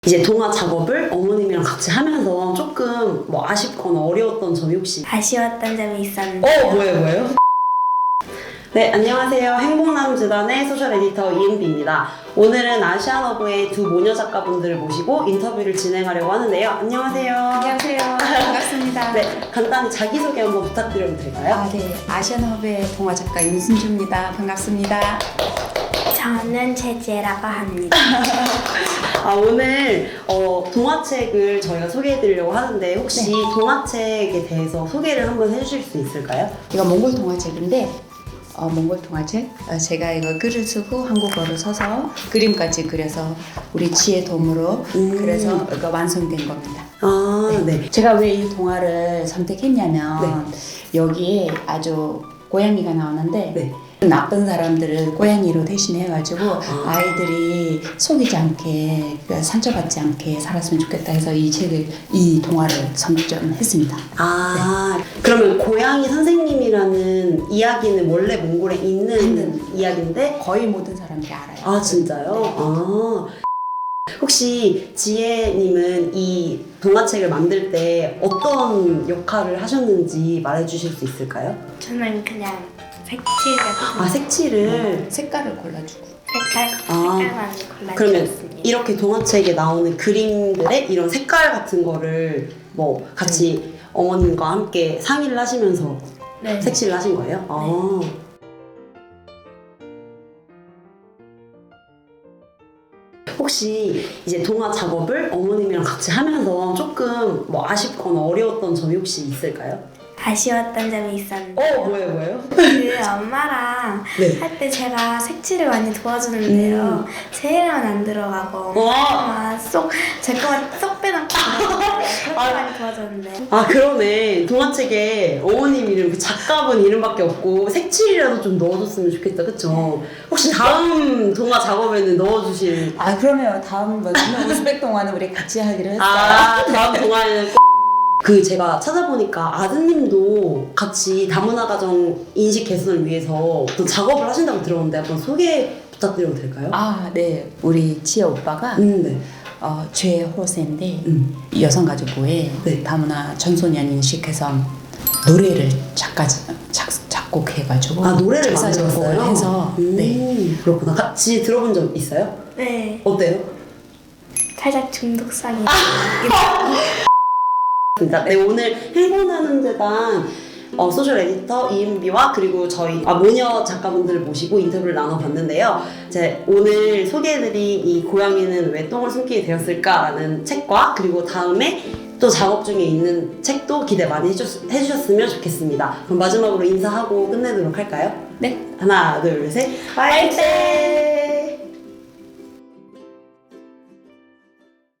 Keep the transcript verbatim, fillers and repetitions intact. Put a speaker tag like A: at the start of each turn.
A: 이제 동화 작업을 어머님이랑 같이 하면서 조금 뭐 아쉽거나 어려웠던 점이 혹시?
B: 아쉬웠던 점이 있었는데요.
A: 어, 뭐예요, 뭐예요? 네, 안녕하세요. 행복남재단의 소셜 에디터 이은비입니다. 오늘은 아시안허브의 두 모녀 작가분들을 모시고 인터뷰를 진행하려고 하는데요. 안녕하세요.
C: 안녕하세요. 반갑습니다.
A: 네, 간단히 자기소개 한번 부탁드려도 될까요?
C: 아, 네. 아시안허브의 동화 작가 윤순주입니다. 반갑습니다.
B: 저는 제지라고 합니다.
A: 아, 오늘 어, 동화책을 저희가 소개해드리려고 하는데 혹시
C: 네.
A: 동화책에 대해서 소개를 한번 해주실 수 있을까요?
C: 이거 몽골 동화책인데 어, 몽골 동화책 어, 제가 이거 글을 쓰고 한국어로 써서 그림까지 그려서 우리 지혜 도움으로
A: 음.
C: 그래서 이거 완성된 겁니다.
A: 아, 네.
C: 제가 왜 이 동화를 선택했냐면 여기에 아주 고양이가 나오는데
A: 네.
C: 나쁜 사람들을 고양이로 대신해가지고
A: 아.
C: 아이들이 속이지 않게 상처받지 않게 살았으면 좋겠다 해서 이 책을 이 동화를 선정했습니다.
A: 아, 그러면 고양이 선생님이라는 이야기는 원래 몽골에 있는
C: 있는.
A: 이야기인데?
C: 거의 모든 사람들이 알아요.
A: 아, 진짜요?
C: 네.
A: 아. 혹시 지혜님은 이 동화책을 만들 때 어떤 역할을 하셨는지 말해주실 수 있을까요?
B: 저는 그냥 색칠 같은
A: 아, 색칠을.
C: 색깔을 골라주고
B: 색깔,
A: 아,
B: 색깔만
A: 그러면
B: 골라주었습니다.
A: 이렇게 동화책에 나오는 그림들의 이런 색깔 같은 거를 뭐 같이 어머님과 함께 상의를 하시면서
B: 네.
A: 색칠을 하신 거예요? 아. 혹시 이제 동화 작업을 어머님이랑 같이 하면서 조금 뭐 아쉽거나 어려웠던 점이 혹시 있을까요?
B: 아쉬웠던 점이 있었는데요.
A: 어, 뭐예요, 뭐예요?
B: 그 엄마랑
A: 네.
B: 할 때 제가 색칠을 많이 도와주는데요.
A: 음.
B: 제 이름은 안 들어가고
A: 와.
B: 쏙제 거만 쏙 빼놓고 그렇게
A: 아.
B: 많이 도와줬는데
A: 아, 그러네. 동화책에 어머님 이름, 그 작가분 이름밖에 없고 색칠이라도 좀 넣어줬으면 좋겠다, 그쵸? 혹시 다음 동화 작업에는 넣어주실?
C: 아 그러면 다음번에는 우즈벡 동화는 우리 같이 하기로 했어요.
A: 아, 다음 동화에는 꼭. 그 제가 찾아보니까 아드님도 같이 다문화 가정 인식 개선을 위해서 또 작업을 하신다고 들었는데 한번 소개 부탁드려도 될까요?
C: 아, 네. 우리 지혜 오빠가
A: 음, 네.
C: 어, 죄호세인데
A: 음.
C: 여성가족부에
A: 네.
C: 다문화 청소년 인식 개선 노래를 작가 작, 작곡해가지고
A: 아, 노래를
C: 작사,
A: 만들었어요?
C: 작곡을 해서
A: 음,
C: 네.
A: 그렇구나. 같이 들어본 적 있어요?
B: 네
A: 어때요?
B: 살짝 중독성이
A: 네, 오늘 행복나는 재단 어, 소셜 에디터 이은비와 그리고 저희 아, 모녀 작가분들을 모시고 인터뷰를 나눠봤는데요. 이제 오늘 소개해드린 이 고양이는 왜 똥을 숨기게 되었을까라는 책과 그리고 다음에 또 작업 중에 있는 책도 기대 많이 해주셨, 해주셨으면 좋겠습니다. 그럼 마지막으로 인사하고 끝내도록 할까요?
C: 네.
A: 하나, 둘, 셋. 화이팅!